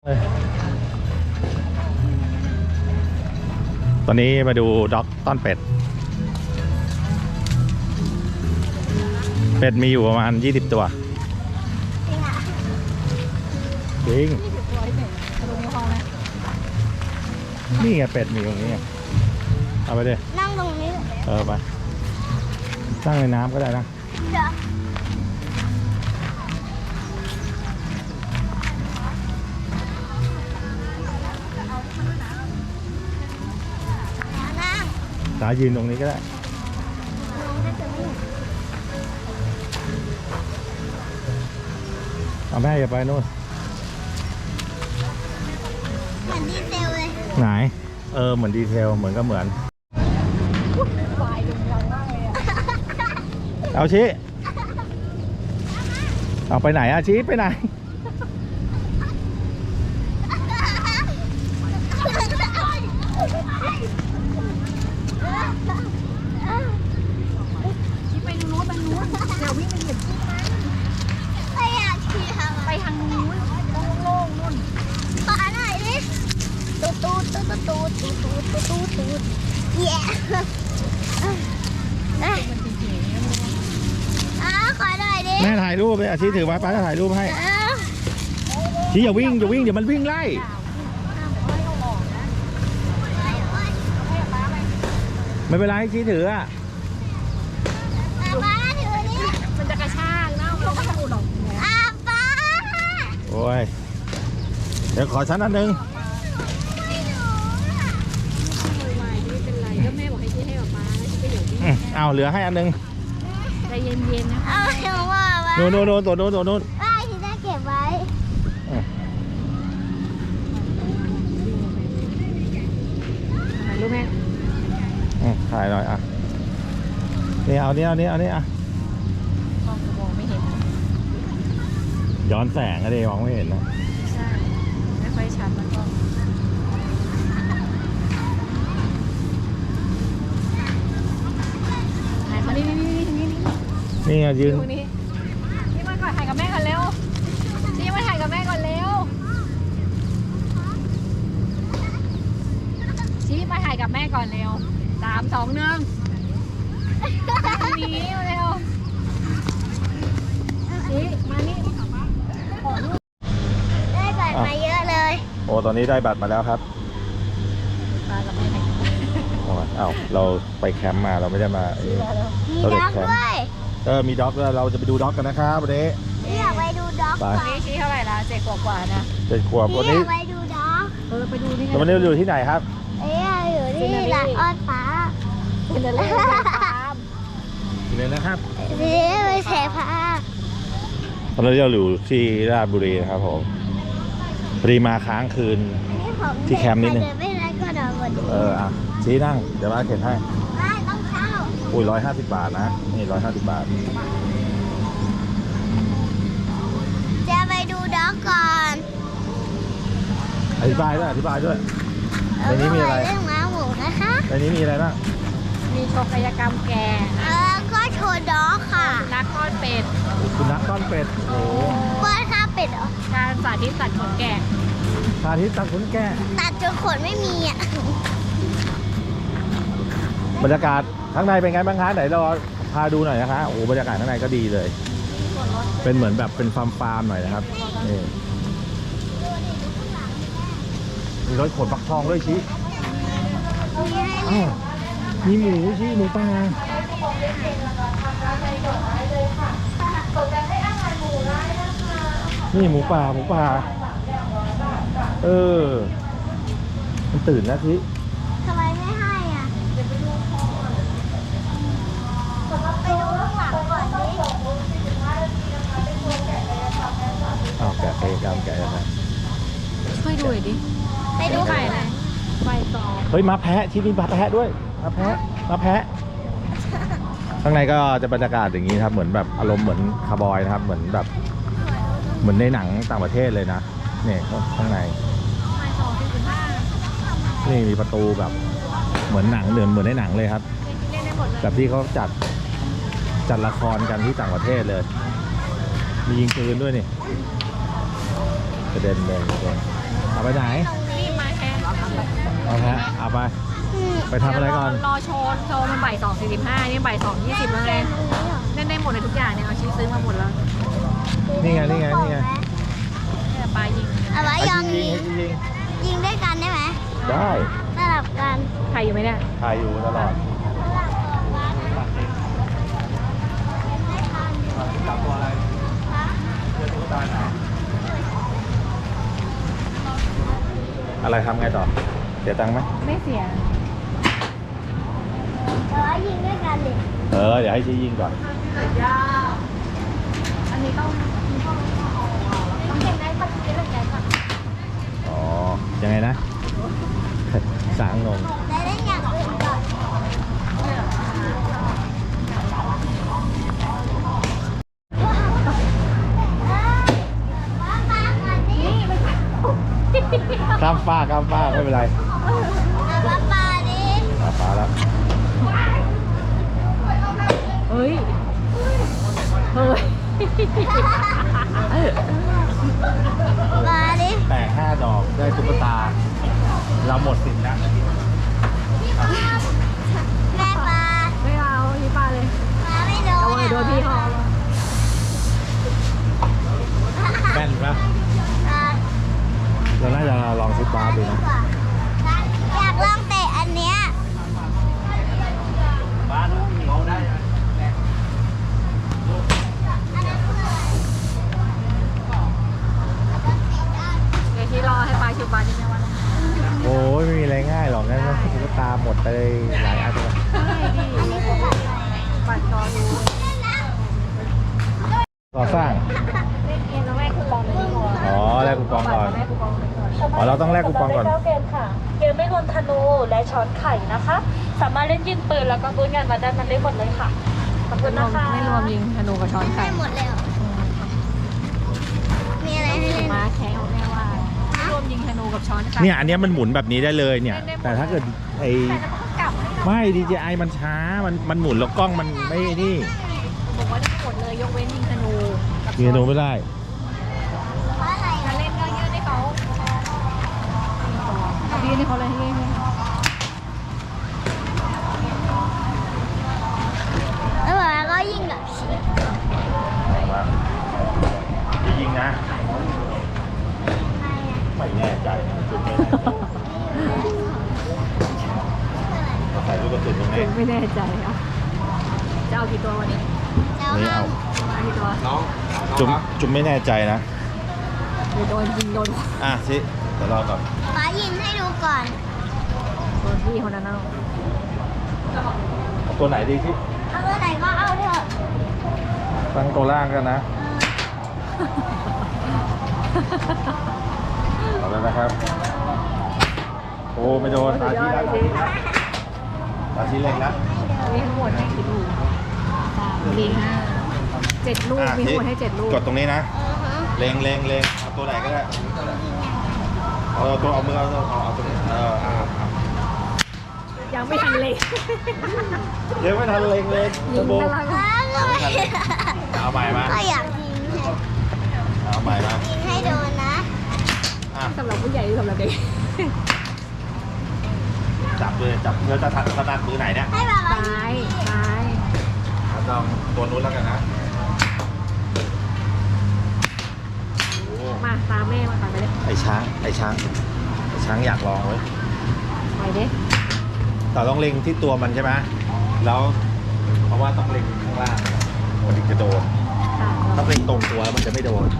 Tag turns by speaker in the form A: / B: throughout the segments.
A: ตอนนี้มาดูด็อกต้อนเป็ดเป็ดมีอยู่ประมาณ20ตัวจริงนี่ไงเป็ดมีตรงนี้เอาไปดิ
B: นั่งตรงนี้
A: ไปนั่งในน้ำก็ได้นะตายืนตรงนี้ก็ได้เอาแม่อย่าไปโน่น
B: เหมือนดีเทลเลย
A: ไหนเหมือนดีเทลเหมือนก็เหมือนเอาชี้เอาไปไหนอะชี้ไปไหน
C: ชี้ไปทางโน้นเดี๋ยววิ่งไปเหยียบชี้นะ
B: ไม่อยากขี่
C: ไปทางนู้นโล่งๆนู่น
B: ขอหน่อยดิตูดเย้ขอหน่อยดิ
A: แม่ถ่ายรูปเลยชี้ถือไว้ป้าจะถ่ายรูปให้ชี้อย่าวิ่งเดี๋ยวมันวิ่งไล่ไม่เป็นไรชี้ถืออะ
B: ป้าถือนี่
C: มันจะกระชากนะมันก็ถูกดอก
B: ป้า
A: โอ้ยเดี๋ยวขอชั้นอันนึง
C: ไม่เป็นไรก็แม่บอกให้ชี้ให้ป้าแล้วชี้ก็อยู่ที่
A: เอาเหลือให้อันนึง
C: ใจเย็นๆนะ
B: เอาเดี๋ยวว่า
A: โน่นตัวโน่น
B: ป้าที่จะเก็บไว้
C: ถ่ายรูปแม่
A: ถ่ายหน่อยอ่ะนี่เอานี่อ่ะ
C: มองไม่เห็น
A: ย้อนแสงอะดิมองไม่เห็นนะ
C: ใช่ไม่ค่อยชัดมันก็ถ่ายมานี่
A: ยืน
C: นี่มาก่อนถ่ายกับแม่ก่อนเร็วนี่มาถ่ายกับแม่ก่อนเร็วชี้มาถ่ายกับแม่ก่อนเร็ว3 2 1นี้เร็วชี้มานี่
B: ได้บัตรมาเยอะเลย
A: โอ้ตอนนี้ได้บัตรมาแล้วครับ
C: มากับแม่
A: เราไปแคมป์มาเราไม่ได้มา
B: มีด็อกด้วย
A: มีด็อกด้วยเราจะไปดูด็อกกันนะครับวันนี้
B: อยากไปดูด็อก
C: วันนี้ชี้เท่าไหร่ละ7 กว่านะ
A: 7 ขวบวันนี้
B: ไปดูด็อก
C: ไปดูนี่
A: วันนี้อยู่ที่ไหนครับ
B: อยู่ที่หลังอ้อนฟ้า
C: เป็นอะไร
A: เลยนะครับ
B: นี่ไปแฉพา
A: ตอนนี้เราอยู่ที่ราชบุรีนะครับผมพอดีมาค้างคืนที่แคมป์นิดนึง
B: ไม่ได้ก็นอนบน
A: ชี้นั่งเดี๋ยวมาเข็นให้
B: ไม่ต้องเช่า
A: อุ้ย150 บาทนะนี่150 บาท
B: จะไปดูด็อกก่อน
A: อธิบายด้วยในนี้มีอะไร
B: เรื่องม้าหมูนะคะ
A: ในนี้มีอะไรบ้าง
C: มีโชว์กายกรรมแก่
B: ก็โชว์ด็อกค่ะ
C: นักต้อนเป็ด
A: คุณนักต้อนเป็ดโอ้
B: ป้อนข้าวเป็ดเหรอ
C: การสาธิตตัดขนแกะ
A: สาธิตตัดขนแกะ
B: ตัดจนขนไม่มี
A: บรรยากาศข้างในเป็นไงบ้างคะไหนเราพาดูหน่อยนะคะโอ้บรรยากาศข้างในก็ดีเลยเป็นเหมือนแบบเป็นฟาร์มหน่อยนะครับนี่มีรถขนฟักทองด้วยชี้มีหมูชี้หมูป่านี่หมูป่ามันตื่นแล้วชี้
B: ทำไมไม่ให้ไปดูข้างหลังก่อนดิ
A: แกะไปกำแกะนะ
C: ช่วยดูดิ
B: ไปดู
C: ไข่ไหนใบตอง
A: เฮ้ยมาแพะที่นี่มาแพะด้วยมาแพะข้างในก็จะบรรยากาศอย่างนี้ครับเหมือนแบบอารมณ์เหมือนคาร์บอยนะครับเหมือนแบบเหมือนในหนังต่างประเทศเลยนะเนี่ยข้างในนี่มีประตูแบบเหมือนหนังเหมือนในหนังเลยครับแบบที่เขาจัดละครกันที่ต่างประเทศเลยมียิงปืนด้วยนี่กระเด็นเลยไปไหน
C: นี่มาแทน
A: เอาแพะเอาไป ไปทำอะไรก่อน
C: รอโชว์มันบ่าย2:45นี่บ่าย2:20แล้วไงเล่นได้หมดเลยทุกอย่างเนี่ยเอาชีซื้อมาหมดแล้ว
A: นี่ไง นี่ไง นี่ไง
C: เนี่ยปลายิง
B: เอาไว้ยอง
A: ยิ
B: ยิ
A: ง
B: ง
A: ยิง
B: ยิงด้วยกันได้ไหม
A: ได้
B: สลับกัน
C: ใครอยู่ไหมเนี่ย
A: ถ่ายอยู่ตลอดจับตัวอะไรเจอตุ๊กตาไหนอะไรทำไงต่อ เสียตังค์ไหม
C: ไม่เสีย
B: เอาไว้ยิงด้วยกันดิ
A: เดี๋ยวให้ชี้ยิงก่อน
C: อันนี้ต้อง
B: เก็บได้ปะเก็บได้ก่อน
A: อ๋อ ยังไงนะ สางงง
B: ได้เล่นอย่างอื่นก่อน
A: ข้ามฟ้ากข้ามฟ้ากไม่เป็นไร
B: เอาปลาดิ
A: ฟ้าแล้ว
C: เฮ้ยเฮ้ย
B: ปลาดิ
A: แตก5 ดอกได้ตุ๊กตา เราหมดสิทธิ์แล้ว
B: แม่ปลา
C: ไม่เอาที่ปลาเลย
B: ปลาไม่โด
C: เอา
B: น
C: ไว้โดนพี่เขา
A: แม่นปะ
B: ปลา
A: เราน่าจะลองชุดบาสดูนะ
B: อยากลองเตะอันเนี้ย
A: บ้านเขาได้
C: เดี๋ยวที่รอให้ปลาชิวปลาที่ไม่วัน
A: โอ้ยไม่มีอะไรง่ายหรอกงั้นตุ๊กตาหมดไปหลายอันเลย
C: ใช่ดิ
B: อันนี้คือแบบอะไร
C: ปัดรอดู
A: ก่อสร้าง
C: เล่นเกมแล้วแม่คูปองเลยดีกว่า
A: อ๋อแลกคูปองก่อน
C: แม่คูปองเลยก่อน
A: อ๋อเราต้องแลกคูปองก่อน
D: 9เกมค่ะ เกมไม่รวมธนูและช้อนไข่นะคะ สามารถเล่นยิงปืนแล้วก็บูนงานมาด้านนั้นได้หมดเลยค่ะ ขอบคุณนะคะ
C: ไม่รวมยิงธนูกับช้อนไข่
B: ให้หมดเลยเหรอมีอะไรให้เล่น
C: มาแข่งเอาแม่ว่าไม่รวมยิงธนูกับช้อนไข่
A: เนี่ยอันเนี้ยมันหมุนแบบนี้ได้เลยเนี่ย แต่ถ้าเกิดไอ้
C: แต่จะต้องกลับให้เรา
A: ไม่ DJI มันช้า มันหมุนแล้วกล้องมันไม่นี่
C: บอกว่าได้หมดเลยยกเว้นยิงธนูกับ
A: มีนูไม่ได้
B: เพราะอะไร
C: ถ้าเล่นก็ยื่นให้เขาเอายื่นให้เขาเลยให้ยื่นให้
B: แล้วแบบก็ยิงแบบชิป
A: ยิงนะ ไม่แน่ใจจุดไม่ใส่ลูกกระสุนตรงนี้
C: ไม่แน่ใจอ่ะจะเอากี่ตัววันนี้
B: แล้ว
A: นี่
B: ห้า
A: เอา
B: ม
C: เอากี่ตัว
A: จุ่มไม่แน่ใจนะ
C: เดี๋ยวโดนยิงโดน
A: อ่ะสิเดี๋ยวรอก่อน
B: ป้ายิงให้ดูก่อน
C: โดนพี่คนนั้นเอา
A: เอาตัวไหนดีที่
B: เอาตัวไหนก็เอาเถอะ
A: ตั้งตัวล่างกันนะเอาแล้วนะครับ โอ้ไม่โดนตาชี้แล้วตาชี้เล็งแล้ว
C: มีทั้งหมดให้กี่ลูก3 4 5 7 ลูกมีทั้งหมดให้7 ลูก
A: กดตรงนี้นะ เล็งเอาตัวไหนก็ได้เอาตัวเอามือเอาตรงนี้
C: ยังไม่ทันเลย
A: เดี๋ยวไม่ทันเล็งเลย
C: ยิง
A: โบ
C: ตาราง
A: เอาใหม่มา
B: ก็อยากยิงให้
A: เอาใหม่มา
B: ยิงให้โดนนะ
A: อ่ะ
C: สำหรับผู้ใหญ่หรือสำหรับเด็ก
A: จับเลยจับเพื่อจะถนัดมือไหนเนี่ย
B: ให้แบบว่า
C: ซ้ายซ้าย
A: ลองตัวนู้นแล้วกันนะโอ้
C: มาตามแม่มาก่อนไปเลย
A: ไอ้ช้างอยากลองเว้ย
C: ไปเด้
A: แต่ต้องเล็งที่ตัวมันใช่ไหมแล้วเพราะว่าต้องเล็งข้างล่างมันถึงจะโดน
C: ค่ะ
A: ถ้าเล็งตรงตัวแล้วมันจะไม่โดน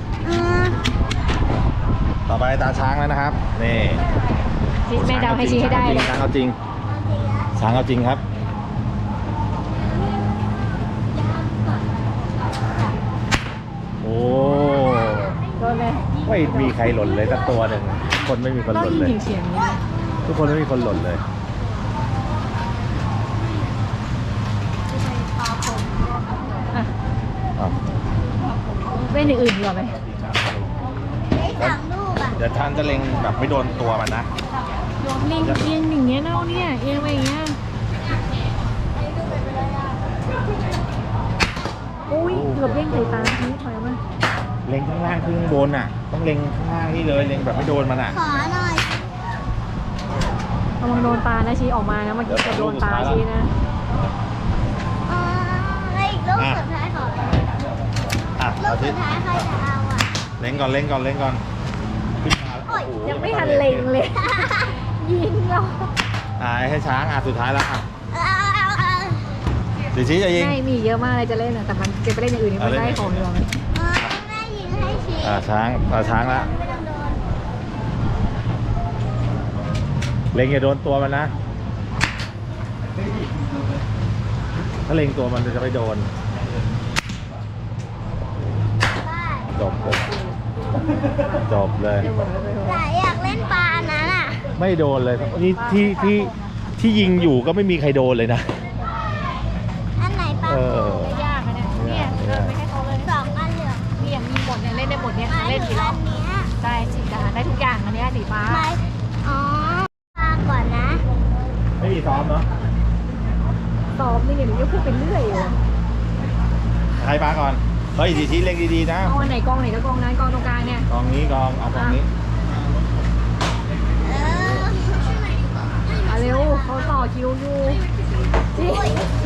A: ต่อไปตาช้างแล้วนะครับ นี่
C: ชี้แม่ดาวให้ชี้ให้ได้เลย
A: ช้างเอาจริงช้างเอาจริงครับ โอ้
C: โดนเลย
A: ไม่มีใครหล่นเลยสักตัวหนึ่งคนไม่มีคน
C: ต้อ
A: ห
C: ง
A: ล่น
C: ยิง
A: เลย
C: เฉียงๆนี้
A: ทุกคนไม่มีคนหล่นเลย
C: อ่ะ
A: อ้าว
C: เล่นอย่างอื่นดีกว่าไหม
B: ได้3 ลูกอ่ะ
A: เดี๋ยวท่านจะเล็งแบบไม่โดนตัวมันนะ
C: เล่นเอียงอย่างเงี้ยเน่าเนี่ยเอียงไปอย่างเงี้ยอุ้ยเกือบเล่นใส่ตาทีถอยมา
A: เล็งข้างล่างขึ้นข้างบนอ่ะ ต้องเล็งข้างล่างนี่เลย เล็งแบบไม่โดนมันอ่ะ
B: ขอหน่อ
C: ระวังโดนปลานะชี้ออกมานะเมื่อกี้จะโดนปลาชี้นะ
B: แล้วอีกลูกสุดท้ายของ
A: อ่ะ
B: ลู
A: เอา
B: ก
A: ที่
B: สุดท้ายใครจะเอาอ่ะ
A: เล่นก่อนเล่นก่อนเล่นก่อนขึ้นมา
B: โอ้ย
A: โอ้โห
C: ยังไม่ทันเล็งเลย ยิงเรา
A: ให้ช้างสุดท้ายแล้วอ่ะ
B: เอา
A: เดี๋ยวชี้จะยิง
C: ไม่มีเยอะมากเลยจะเล่นแต่มันจะไปเล่นอย่างอื่นนี่มันได้ของเดียว
B: แม่ยิงให้ชี้
A: ช้างละ
B: ไม่ต้องโดน
A: เล็งอย่าโดนตัวมันนะ ถ้าเล็งตัวมันจะไม่โดน จบเลย
B: แต่อยากเล่นปลานั้นอ่ะ
A: ไม่โดนเลยนี่ที่ยิงอยู่ก็ไม่มีใครโดนเลยนะ
B: อันไหนปลา
A: เออ
C: ไม่ยากนะเนี่ยเดินไปให้เขาเลย
B: สองอันเหลือง
C: เนี่ยมีหมดเนี่ยเล่นได้หมดเนี่ย
B: หมาย
C: เล่น
B: ถึ
C: กี่
B: ง
C: รอ
B: อั
C: บ
B: นเนี้ย
C: ได้สิจ้าได้ทุกอย่างอันนี้สีฟ้า
B: หมายอ๋อปลาก่อนนะ
A: ไม่มีซ้อมเนาะ
C: ซ้อมนี่อย่างนี้ก็พูดเป็นเรื่อยอยู่
A: ใครปาก่อน เฮ้ยชี้เล็งดีๆนะ
C: เอาอันไหนกองไหนก็กองนั้นกองตรงกลางเนี่ย
A: กองนี้เอากองนี้
B: เออ
C: เอาเร็วเขาต่อคิวอยู่จริง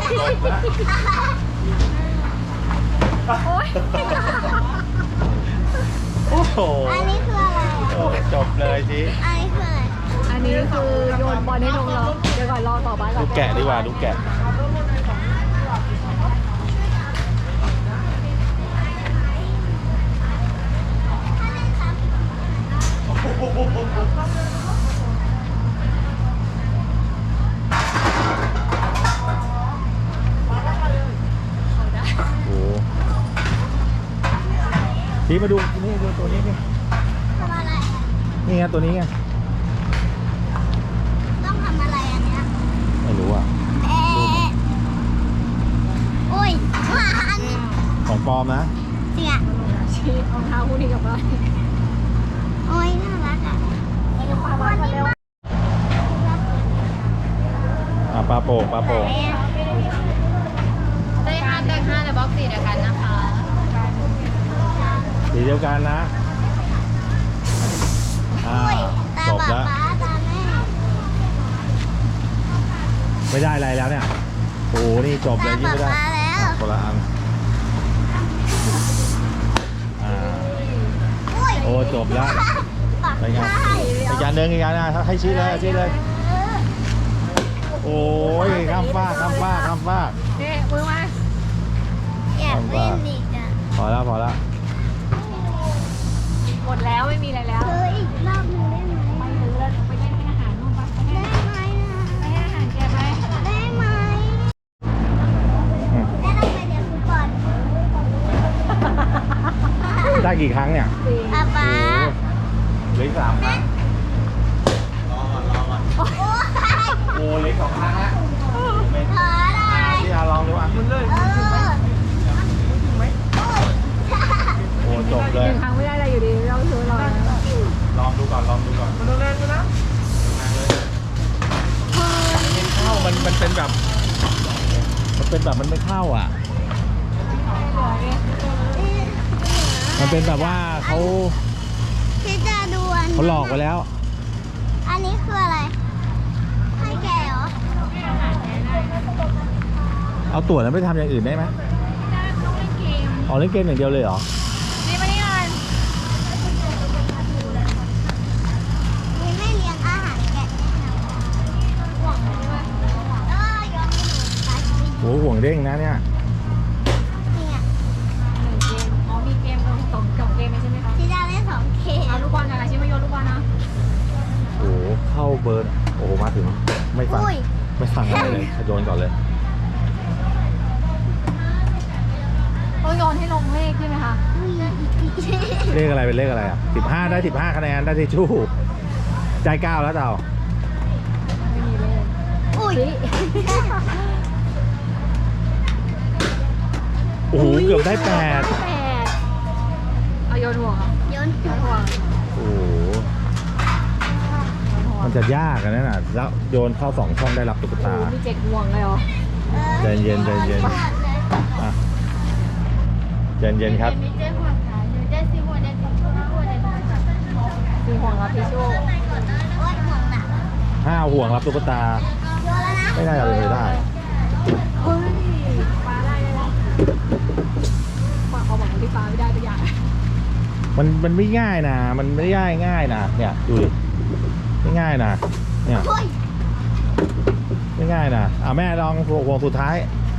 C: โอ๊ย
A: โอ้โห
B: อันนี้คืออะไรอ่ะ
A: โอ้จบเลยชี้
B: อันนี้คืออะไร
C: อันนี้คือโยนบอลให้ลงเราเดี๋ยวก่อนรอต่อบ้านก่อน
A: ดูแกะดีกว่าดูแกะ โอ้ชี้มาดูนี่ดูตัวนี้นี่
B: ทำอะไรอ่ะ
A: นี่ไงตัวนี้ไง
B: ต้องทำอะไรอันเนี้ย
A: ไม่รู้อ่ะ
B: เอ๊ะอุ้ยว่าอันนี้
A: ของปลอมนะ
B: จริงอ่ะ
C: ชี้รองเท้าคู่นี้กับบ้าน
B: โอ้ยน่ารักอ่ะ
C: ปาบ้านมาเร็ว
A: ปลาโป่ง
C: ได้5ได้5ในบ็อกซ์4เดียวกันนะคะ
A: สีเดียวกันนะ
B: อุ้ยตา
A: จบ
B: ป๊า
A: แล้ว
B: ป๊าตาแม่
A: ไม่ได้อะไรแล้วเนี่ย โอ้นี่จบเล
B: ตาย
A: ยิ่ง
B: ป๊า
A: ไม่ได้
B: ป๊าแล้ว
A: คนละอัน
B: อุ้ย
A: โอ้จบแล้ว
B: ปัก
A: ไปไง
B: ได้
A: อีกอันหนึ่งให้ชี้เลย โอ้ยข้ามฟาก
C: นี่มือมา
B: อยากเล่นอีกอ่ะ
A: พอแล้ว
C: หมดแล้วไม่มีอะไรแล้ว
B: เธออีกรอบหนึงได้ไหม
C: ไปเลยแล้วไปเล่นให้อาหารนู่นปะไปให้
B: ได้ไหมนะ
C: ไปให้อาหารแกไป
B: ได้ไหมได้ต้องไปเดี๋ยวก่อน
A: ได้กี่ครั้งเนี่ย
B: ป๊าป๊า
A: เหลืออีก3 ครั้ง
B: โอ้ย
A: โอ้เหลือ2 ครั้งแล้ว
B: ขอได้
A: ที่ลองดูอ่ะ
B: เออ
A: โอ้จบเลย
C: 1 ครั้งไม่ได้อะไรอยู่ดีเราซื้อเรา
A: ลองดูก่อนมันแรงนะไม่เข้ามันเป็นแบบ มันไม่เข้าอ่ะ มันเป็นแบบว่าเขา
B: ที่จะดูอัน
A: เขาหลอกไปแล้ว
B: อันนี้คืออะไร ให้แกเหรอ
A: เอาตั๋วนั้นไปทำอย่างอื่นได้ไหมอ๋อเล่นเกมอย่างเดียวเลยเหรอ
C: นี่มานี่ก่อน
B: นี่ไม่เลี้ยงอาหารแกะแน่นอนห่วงเลยว่ายอมให้หนูตายชีวิต
A: โหห่วงเด้งนะเนี่ย
B: จริงอ่ะ
C: 1 เกมอ๋อมีเกม2เกมใช่ไหมคะ
B: ที่จะเล่น2เกม
C: เอาลูกบอลอะไรชิมาโยนลูกบอลนะ
A: โอ้โหเข้าเบิร์นโอ้โหมาถึงไม่ฟัง
B: อุ้ย
A: ไม่ฟังอะไรเลยโยนก่อนเลย
C: ต้องโยนให้ลงเลขใช่ไหมคะ
A: เลขอะไรเป็นเลขอะไรอ่ะ15ได้15คะแนนได้ทิชชู่ใจ9แล้วเต่า
C: ไม่มีเลข
B: อุ้ย
A: โอ้โหเกือบได้8
C: เอาโยนห่วงเหรอ
B: โยน
C: โยนห่วง
A: โอ้โหมันจะยากกันนะแล้วโยนเข้า2 ช่องได้รับตุ๊กตา
C: มี7ห่วงเลยเหรอ
A: ใจเย็นอ่ะใจเย็นครับ
C: 4ห่วงแล้วทิชชู่
B: โอ้ยห่วงหนัก
A: ให้ 5 ห่วงรับตุ๊กตา
B: โยนแล้วนะ
A: ไม่น่าจะเป็นไปได้
C: เฮ้ยปลาได้แล้วปลาเขาบอกว่าที่ปลาไม่ได้ตัวอย่าง
A: มันไม่ง่ายนะ มันไม่ได้ง่ายนะเนี่ยดูดิไม่ง่ายนะเนี่ย
B: โอ้ย
A: ไม่ง่ายนะแม่ลองห่วงสุดท้าย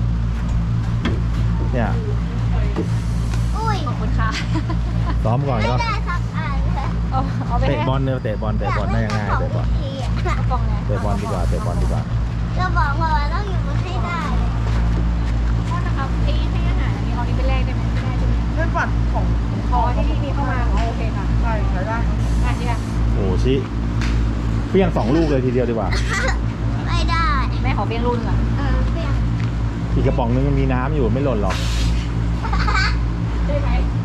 A: เนี่ย
B: อุ้ย
C: ขอบคุณค่ะ
A: ซ้อมก่อน
B: ไม่
A: ก็
B: ได้สักอันเลย
C: เอาไป
A: เตะ
C: ให้
A: บอลเนี่ยเตะบอลได้ยังไงเตะบอล
C: กระป๋องไง
A: เตะบอลดีกว่าเตะบอลดีกว่า
B: เราบอกว่าต้องอยู่บนให้ได้
C: โทษนะครับให้อาหารอันนี้เอานี้ไปแลกได้ไหมไม่ได้ใช่ไหม
E: เงื่อนบัตรของ
C: พอที่มีเข้ามาโอเคค่ะ
E: ใช่ใช้ได้ครับ
C: อ่ะเนี่ย
A: โอ้ชิเพี้ยง2 ลูกเลยทีเดียวดีกว่า
B: ไม่ได้
C: แม่ขอเบี้ยงรุ่นก่อน
B: เปลี่ยน
A: อีกกระป๋องนึงมันมีน้ำอยู่ไม่หล่นหรอก
C: ใช่ไหม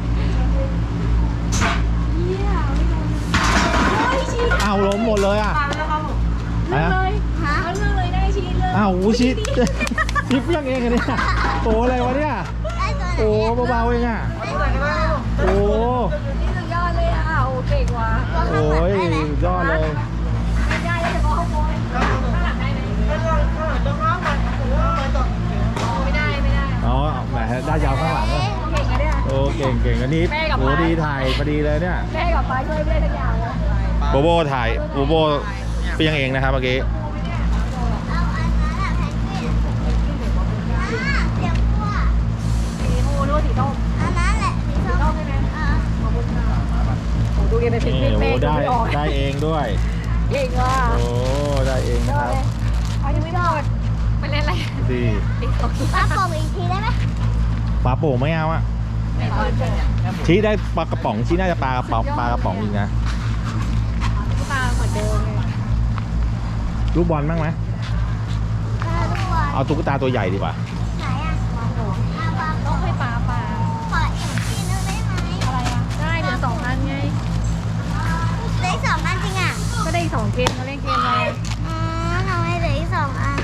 C: เยี่ยไม่โดนโอ้ยชี
A: อ้าวล้มหมดเลยอ่ะ
C: ปลาแล้วครับผม
A: อะไร
C: เลือก
A: นะ
C: เลยเอาเลือกเลยได้ชีเลือก
A: อ้าวชิชิเพี้ยงเองอะเนี่ยโอ้อะไรวะเนี่ย
B: ได้ตัวไหน
A: โอ้เบาๆเองอ่ะโอ้
C: นี่สุดยอดเลยอ่ะโอ้เก่งว่ะ
A: โอ้ยยอดเลย
C: ไม่ได้เลยเฉพาะข้างบนข้างหลังได้ไหม
E: ถ้าเราต้องห้ามมันผมว่ามันต่อ
C: ไม่ได้ไม่ได้
A: อ๋อแหมได้ยาวข้างหลังอะ
C: เก่งอะเนี่ย
A: โอ้เก่งอันนี้
C: แม่กับ
A: โอ้
C: ป้า
A: ดีถ่ายพอดีเลยเนี่ย
C: แม่กับป้าช่วยไม่ได้ทุกอย่างเลย
A: โบโบถ่ายโบโบเพี้ยงเองนะครับเมื่อกี้
B: เอาอันนั้นอะแพนกวินเสียงกลัว
C: สีโอ้รู้ว่าสีส้ม
B: อันนั้นแหละสี
C: สี
B: ส้
C: ส้
B: ม
C: มใช่ไหมขอบคุณค่ะโอ้ดูยังเป็นเพนกวิน
A: โอ้
C: แม่
A: ได้
C: ไม่ออก
A: ได้เองด้วย
C: เก่งว่ะ
A: โอ้ได้เอง
C: ย
A: นะ
C: อ
A: ครับ
C: ดเลยเอายังไม่หมดไปเล่นอะไร
A: ดี
C: ติ๊กต๊อก
B: ป้าโป่งอีกทีได้ไหม
A: ปลาโป่งไม่เอาอะ
C: ไม่เอาเก่งอ่ะ
A: ชี้ได้ปลากระป๋องชี้น่าจะปลากระป๋องอีกนะ
C: ตาเหมือนเดิมเลย
A: ลูกบอลบ้างไหม
B: ทุกวัน
A: เอาตุ๊กตาตัวใหญ่ดีกว่า
B: ไหนอะเอาปลา
C: ต้องให้ปลา
B: ขออีกทีนึงได้ไหม
C: อะไรอ่ะได้เหลือ2 อันไง
B: เหลืออีก2 อันจริงอะ
C: ก็ได้อีก2 เกมเขาเล่นเกมอะไร
B: ทำไมเหลืออีก2 อัน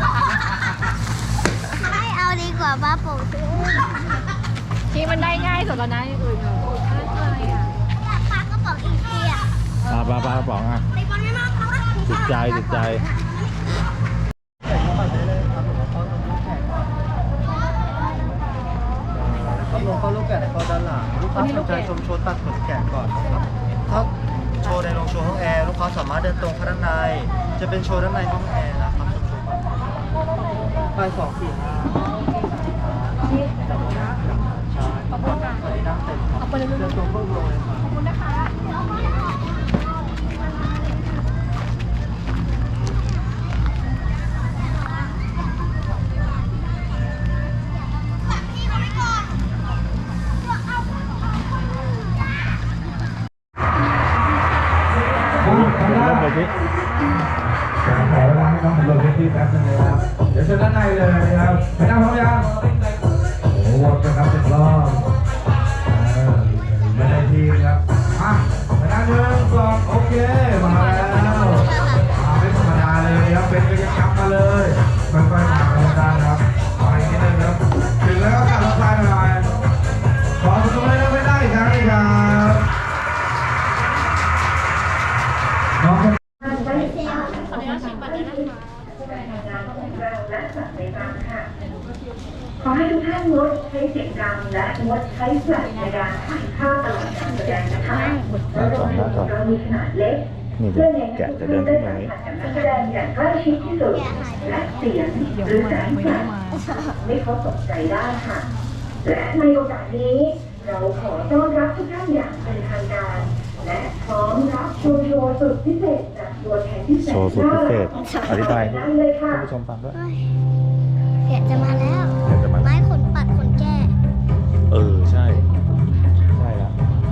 B: ไม่เอาดีกว่าป้าโป่งซื้อ
C: ที่มันได้ง่ายสุดแล้วนะอย่างอื่นเหรออะไรอ่ะ
B: อยากปลากระป๋องอีกทีอะ
A: ปลากระป๋องอ่ะ
B: ตีบอลไม่มากค่ะ
A: ติดใจ
E: ครับลงเข้าลูกแกะในคอด้านหลังลูกค้าสนใจชมโชว์ตัดขนแกะก่อนนะครับถ้าโชว์ในโรงโชว์ห้องแอร์ลูกค้าสามารถเดินตรงเข้าด้านในจะเป็นโชว์ด้านในห้องแอร์นะครับชมโชว์ก่อนไป245ใช่ขอบคุณค่ะสวัสดีนั่งเต็มครับเดินตรงเข้าโรงเลยครับ
C: ขอบคุณนะคะ
A: เริ่มเลยพี่
F: ขอเวลาให้น้องสำรวจพื้นที่แป๊บนึงนะครับ เดี๋ยวเชิญด้านในเลยนะครับไปนั่งพร้อมยังโอ้โหวนกันครับ10 รอบไม่ได้ทีมครับมาไปนั่ง1 2โอเค มาแล้วมาไม่ธรรมดาเลยนะครับเป็นกิจกรรมมาเลยค่อยๆมากันได้นะครับไปนิดนึงครับถึงแล้วก็กลับรถไฟหน่อยขอสนุกเลยนะไม่ได้ครับนี่ครับน้อง
G: ขอให้ทุกท่านงดใช้เสียงดังและงดใช้แฟลชในการถ่ายภาพตลอดการแสดงนะคะเรามีขนาดเล็ก
A: นี่
G: เพื่อเน้น
A: แกะ
G: ให้
A: จะ
G: ทุก
A: เดิ
G: ท่าน น
A: ขึ้
G: ได้
A: นมา
G: สั
A: อย่างนี้
G: มผัสกับนักแสดงอย่างใกล้ชิดที่สุด และเสียงหรือแสงแฟลชไม่เข้าตกใจได้ค่ะ และในโอกาสนี้เราขอต้อนรับทุกท่านอย่างเป็นทางการ และพร้อมรับโชว์สุดพิเศษจากตัวแทนที่แสน
A: โชว์สุดพิเศษอธิบาย
G: ได้เลยค่ะ
A: ท่านผู้ชมฟังด้วย
B: แกะจะมาแล้ว
A: เดี๋ยวจะมา
B: ไม้ขนปัดขนแก้
A: ใช่แล้ว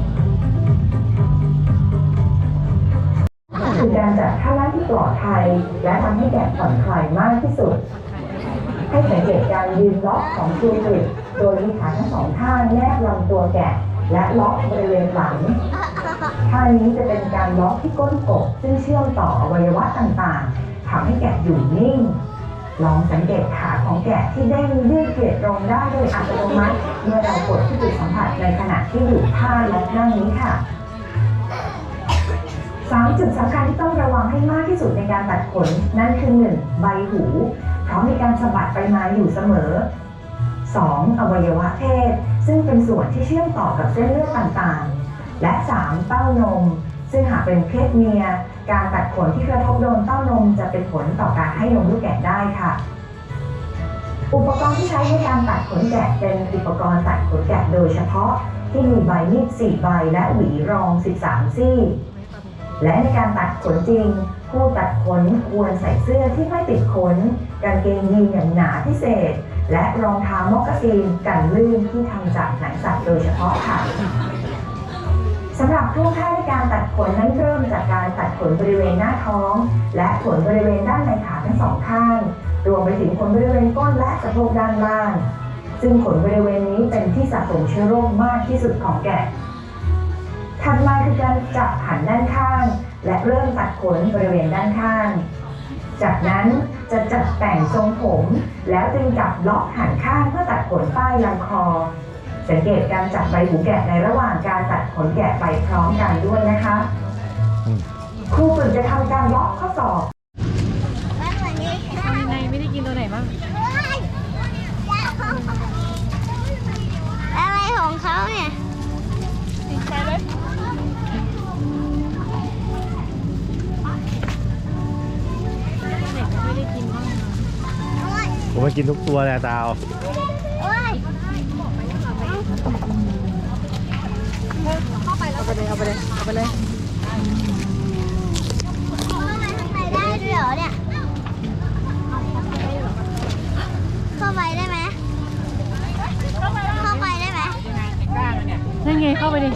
G: คือการจัดท่านั่งที่ปลอดภัยและทำให้แกะผ่อนคลายมากที่สุด ให้สังเกตการยืนล็อกของตัวกริดโดยมีขาทั้งสองข้างแนบลำตัวแกะและล็อกบริเวณหลังท่านี้จะเป็นการล็อกที่ก้นกบซึ่งเชื่อมต่ออวัยวะต่างๆทำให้แกะอยู่นิ่ง ลองสังเกตขาของแกะที่เด้งยืดเหยียดตรงได้โดยอัตโนมัติเมื่อเรากดที่จุดสัมผัสในขณะที่อยู่ท่าและนั่งนี้ค่ะ 3 จุดสำคัญที่ต้องระวังให้มากที่สุดในการตัดขนนั่นคือ 1. ใบหู เพราะมีการสะบัดไปมาอยู่เสมอ 2. อวัยวะเพศซึ่งเป็นส่วนที่เชื่อมต่อกับเส้นเลือดต่างๆ และ 3. เต้านม ซึ่งหากเป็นเพศเมียการตัดขนที่กระทบโดนเต้านมจะเป็นผลต่อการให้นมลูกแกะได้ค่ะ อุปกรณ์ที่ใช้ในการตัดขนแกะเป็นอุปกรณ์ตัดขนแกะโดยเฉพาะที่มีใบมีด4 ใบและหวีรอง 13 ซี่ และในการตัดขนจริง ผู้ตัดขนควรใส่เสื้อที่ไม่ติดขนกางเกงยีนอย่างหนาพิเศษ และรองเท้ามอกกาซีนกันลื่นที่ทำจากหนังสัตว์โดยเฉพาะค่ะสำหรับท่วงท่าในการตัดขนนั้นเริ่มจากการตัดขนบริเวณหน้าท้อง และขนบริเวณด้านในขาทั้ง2 ข้างรวมไปถึงขนบริเวณก้นและสะโพกด้านล่าง ซึ่งขนบริเวณนี้เป็นที่สะสมเชื้อโรคมากที่สุดของแกะถัดมาคือการจับหันด้านข้างและเริ่มตัดขนบริเวณด้านข้าง จากนั้นจะจัดแต่งทรงผมแล้วจึงจับล็อกหันข้างเพื่อตัดขนใต้ลำคอสังเกตการจับใบหูแกะในระหว่างการตัดขนแกะไปพร้อมกันด้วยนะคะครูฝึกจะทำการล็อกข้อศอก
B: แล้ววันนี้
C: เอายังไงไม่ได้กินตัวไหนบ้าง
B: อะไรของเขาเนี่ย
C: เด็กไม่ได้กินบ้าง
A: ผมมากินทุกตัวเลยตาว
B: โอ้ย
C: เอาไปเลยเอาไปเลยเอาไปเลย
B: เข้าไปข้างในได้ด้วยเหรอเนี่ย เข้าไปได้ไหมเข้าไปได้ไหม
C: นั่นไงเข้าไปดิ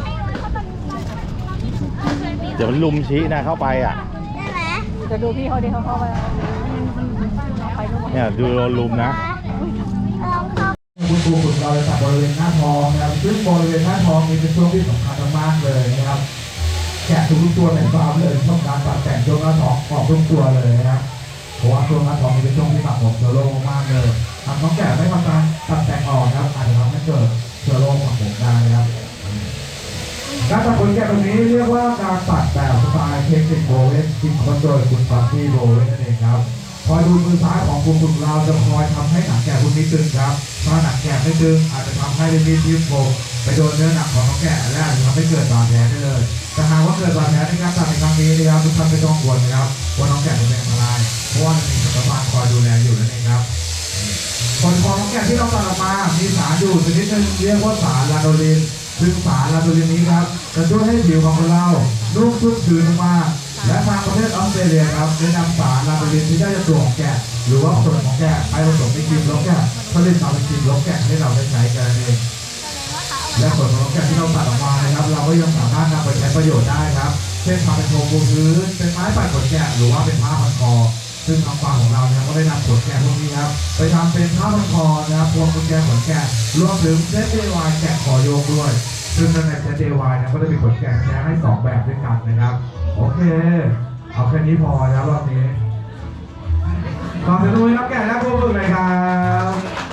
A: เดี๋ยวมันลุมชี้นะเข้าไปอ่ะ
B: ได้ไหม
C: จะดูพี่เขาดิเขาเข้าไปไปทุกคน
A: เนี่ยดูโดนลุมนะ
B: ลองเข้า
F: คุณครูฝึกเราจะตัดบริเวณหน้าท้องนะครับซึ่งบริเวณหน้าท้องนี้เป็นช่วงที่สำคัญมากๆเลยนะครับแกะทุกตัวในฟาร์มเลยต้องการตัดแต่งช่วงหน้าท้องออกทุกตัวเลยนะครับเพราะว่าช่วงหน้าท้องนี้เป็นช่วงที่สะสมเชื้อโรคมากเลยทำน้องแกะไม่ทำการตัดแต่งออกนะครับอาจจะทำให้เกิดเชื้อโรคสะสมได้นะครับการตัดขนแกะตรงนี้เรียกว่าการตัดแบบสไตล์เทคนิคโบเวนคิดค้นโดยคุณฟัตตี้โบเวนนั่นเองครับคอยดูมือซ้ายของคุณฝึกเราจะคอยทำให้หนังแกะพวกนี้ตึงครับถ้าหนังแกะไม่ตึงอาจจะทำให้ลิ้นที่โผล่ไปโดนเนื้อหนังของน้องแกะและอาจจะทำให้เกิดบาดแผลได้เลยแต่หากว่าเกิดบาดแผลในการตัดในครั้งนี้นะครับทุกท่านไม่ต้องกังวลนะครับว่าน้องแกะจะเป็นอันตรายเพราะว่ามีสัตวบาลคอยดูแลอยู่นั่นเองครับผลของน้องแกะที่เราตัดออกมามีสารอยู่ชนิดหนึงเรียกว่าสารลาโดลินซึ่งสารลาโดลินนี้ครับจะช่วยให้ผิวของคนเรานุ่มชุ่มชื้นมากและทางประเทศออสเตรเลียครับได้นำสารลาโดลินที่ได้จากตัวของแกะหรือว่าส่วนของแกะไปผสมในครีมลบแกะผลิตมาเป็นครีมลบแกะให้เราได้ใช้กันเองและส่วนของแกะที่เราตัดออกมานะครับเราก็ยังสามารถนำไปใช้ประโยชน์ได้ครับเช่นทำเป็นโครงปูพื้นเป็นไม้ปัดขนแกะหรือว่าเป็นผ้าพันคอซึ่งทางฝั่งของเราเนี่ยก็ได้นำขนแกะพวกนี้ครับไปทำเป็นผ้าพันคอนะครับพวงกุญแจขนแกะรวมถึงเซตเดวายแกะคอโยกด้วยซึ่งในเซตเดวายเนี่ยก็จะมีขนแกะแท้ให้2แบบด้วยกันนะครับโอเคเอาแค่นี้พอนะครับรอบนี้ขอบคุณทุกท่านรับแกะและผู้ฝึกเลยครับ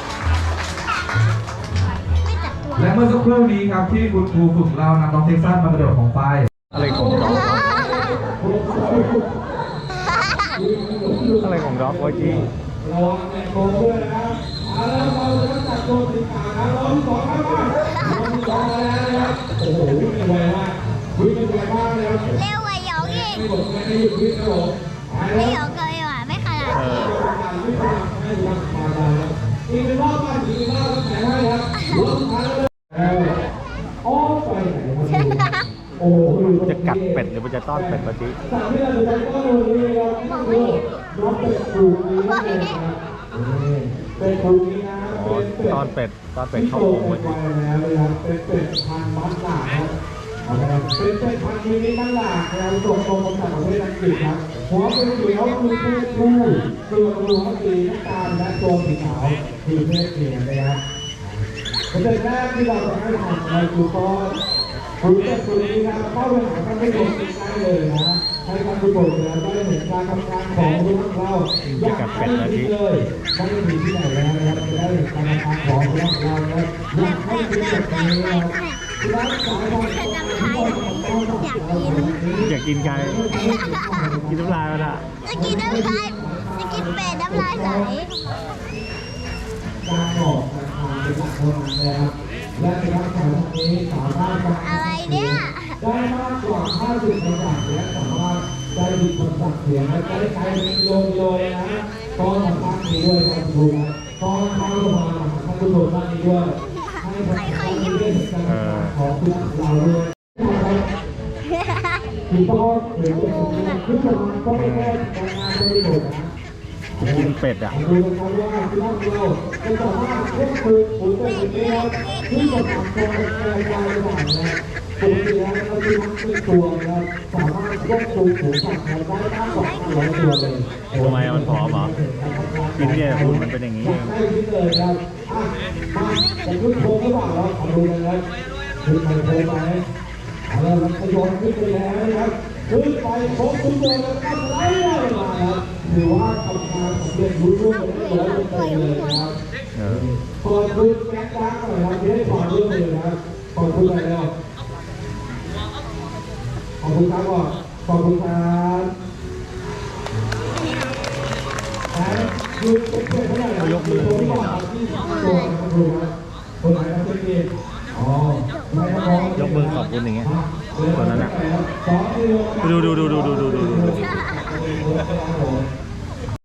F: และเมื่อสักครู่นี้ครับที่คุณครูฝึกเรานำน้องเท็กซัสมากระโดดของไฟ
A: อะไรของด็อกอะไรของด็อกวะจี
F: ระวังในโคมด้วยนะครับเอาละเราจะจัดโคมสีขาวนะรอบที่2ครับรอบที่2มาแล้วนะครับโอ้โหวิ่งกันไวมากวิ่งกันไวมากเลยครับ
B: เร็วกว่าหยองอีก
F: ไม่หมดไม่ได้หยุดวิ่งครับผมไป
B: ไม่
F: แล้ว
B: หยองเกินหว่ะไม่ขนาดนี้
F: อีกหนึ่งรอบมาอีกหนึ่งรอบครับแข่งให้ครับรอบสุดท้ายแล้วอ้อไปไหนครับโอ้โห
A: จะกัดเป็ดหรือมันจะต้อนเป็ดวะจี
F: สามที่เราจะได้ก็วันนี้ครับคือรอบเป็ดถูกนี้นะครับเป็ดถูกนี้นะ
A: อ๋อ
F: เป็นเป็ด
A: ต้อนเป็ดเข้า
F: โต
A: โอ่ง
F: ไป
A: วะจี
F: แล้วนะครับเป็นเป็ดพันธุ์มัสตาร์ดครับเป็นเป็ดพันธุ์มินิมัสตาร์ดนะครับส่งตรงมาจากประเทศอังกฤษครับหัวเป็นเขียวคือเพศผู้ตัวกระดูกสีน้ำตาลและตัวสีขาวคือเพศเมียนะครับประเด็นแรกที่เราจะให้ทำในคือก็คือเป็ดตัวนี้นะเข้าไปหาท่านผู้ชมได้เลยนะให้ท่านผู้ชมเนี่ยได้เห็นการทำงานของรุ่นเราอยากให้ดีเลยไม่ได้มีที่ไหนแล้วนะครับจะได้เห็นการทำงานของรุ่นเรานะอยากให้ดีแบบนี้นะครับร้านสายของ
B: อยากกิน
A: อยากกินไก่กินน้ำลายมันอะ
B: จะกินน้ำลายจะกินเป็ดน้ำลายไหล
F: การออกราคาเป็นหลักเท่านั้นนะครับและในราคานี้สามารถ
B: อะไรเนี่ย
F: ได้มากกว่า50ในจากและสามารถได้ดีคนสั่งเสียงและได้ใช้โลนะก็สามารถมีด้วยครับคุณนะก็เข้ามาท่านผู้ชมท่านนี้ด้วยให้ใครๆอยู่ของคุณเราด้วยคือพ่อหรือคุณผู้ชมก็ไม่ได้ทำงานได้หมดนะ
A: กินเป็ดอะ
F: ดูนะครับว่าที่เราจะสามารถควบคุมปุ๋ยตัวเองที่จะทำตัวเองได้อย่างไรนะปุ๋ยแล้วเราจะทำเป็นตัวนะครับสามารถควบคุมปุ๋ยสัตว์ได้มากกว่า500ตัวเลย
A: ทำไมมันผอมเหรอกินเนี่ยคุณมันเป็นอย่างนี้เอง
F: ได้ที่เลยครับมาแต่ขึ้นโค้งหรือเปล่าเราขอดูกันครับขึ้นไปโค้งไปเอาละครับขยนขึ้นไปแล้วนะครับขึ้นไปโค้งขึ้นตัวแล้วก็ไล่มาครับถือว่าทำงานสำเร็จรุ่งเรืองไปได้เลยนะครับ ขอบคุณแม็กซ์ดังหน่อยครับที่ให้ความร่วมมือนะครับขอบคุณไปแล้วขอบคุณครับก่อนขอบคุณครับคือเป็นเพื่อนเท่าไหร่ครับยกมือที่บอกที่ตัวนะครับดูนะคนไหนครับเป็นเองอ๋อไม่ครับ
A: ยกมือขอบคุณอย่างเงี้ยตอนนั้นอะ
F: 2
A: ดู
F: ครับผม